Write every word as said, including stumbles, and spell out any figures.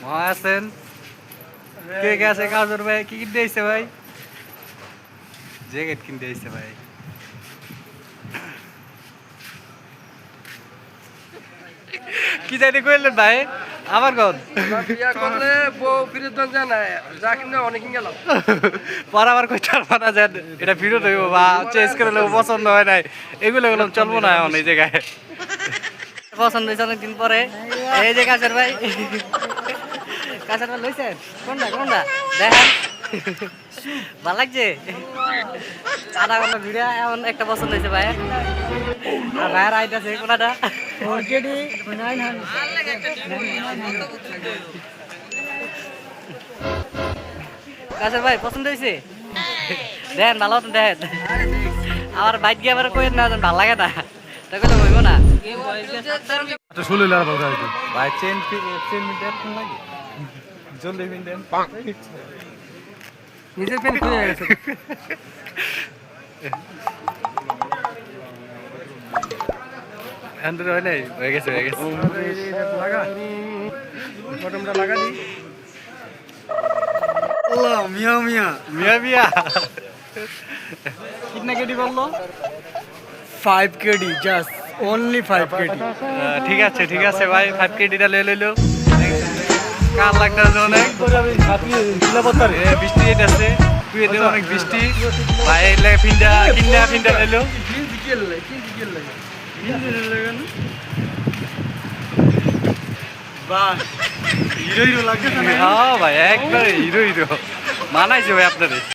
ভাই আছেন কে কে আছে কাজর ভাই কি কিনতে আইছে ভাই জ্যাকেট কিনতে আইছে ভাই কি যাইতে কইলেন ভাই আমার কোন বিয়া করলে বউ ফিরত দেন যায় না যা কিনে অনেক গেলাম পর আবার কই চার পানা যান এটা ফিরত হইব বা চেঞ্জ করে লোক পছন্দ হয় নাই এগুলো এগুলো চলবো না এখন এই জায়গায় পছন্দ হয়েছে অনেকদিন পরে এই যে কাছের ভাই কাছের ভাই লইছেন কোনটা কোনটা দেখেন ভালো লাগছে আধা ঘন্টা ভিডিও এমন একটা পছন্দ হয়েছে ভাই আর ভাইয়ের আইট আছে কোনটা কাছের ভাই পছন্দ হয়েছে দেখেন ভালো মতন দেখেন আমার বাইক গিয়ে আবার কই না ভালো লাগে না তাই কথা বলবো না ষোলো লাখ বলতে হয় ভাই চেন চেন মিটার কোন লাগে জলদি মিটার নিজের পেন খুলে গেছে আন্দর হয় নাই হয়ে গেছে হয়ে গেছে লাগা বটমটা লাগা দি আল্লাহ মিয়া মিয়া মিয়া মিয়া কিতনা কেডি বললো five KD just only five KD ah, ঠিক আছে ঠিক আছে ভাই ফাইভ কেডিটা লয়ে লইলো কার লাগতেছে অনেক এ, বৃষ্টি আছে তুই এদের অনেক বৃষ্টি ভাই এলে ফিন্ডা কিন্না ফিন্ডা লইলো কিনজি গেল কিনজি গেল বাহ হিরো হিরো লাগছে না হ্যাঁ ভাই একবারে হিরো হিরো মানাইছে ভাই আপনাদের